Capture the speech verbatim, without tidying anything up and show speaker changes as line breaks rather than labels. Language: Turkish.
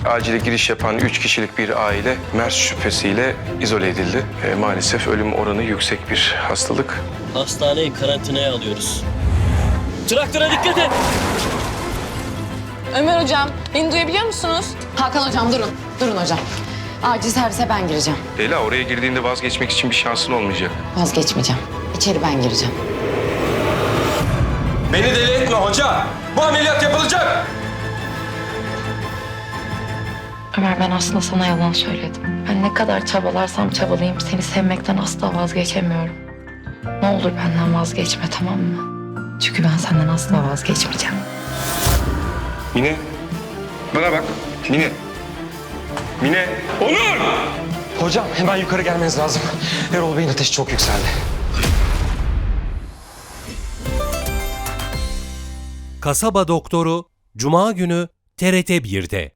acile giriş yapan üç kişilik bir aile MERS şüphesiyle izole edildi. E, maalesef ölüm oranı yüksek bir hastalık.
Hastaneyi karantinaya alıyoruz. Traktöre dikkat et!
Ömer hocam, beni duyabiliyor musunuz?
Hakan hocam durun. Durun hocam. Acil servise ben gireceğim.
Leyla, oraya girdiğinde vazgeçmek için bir şansın olmayacak.
Vazgeçmeyeceğim. İçeri ben gireceğim.
Beni deli etme hoca. Bu ameliyat yapılacak.
Ömer, ben aslında sana yalan söyledim. Ben ne kadar çabalarsam çabalayayım seni sevmekten asla vazgeçemiyorum. Ne olur benden vazgeçme, tamam mı? Çünkü ben senden asla vazgeçmeyeceğim.
Mine, bana bak. Mine. Mine. Onur!
Hocam hemen yukarı gelmeniz lazım. Erol Bey'in ateşi çok yükseldi.
Kasaba Doktoru Cuma günü T R T bir'de.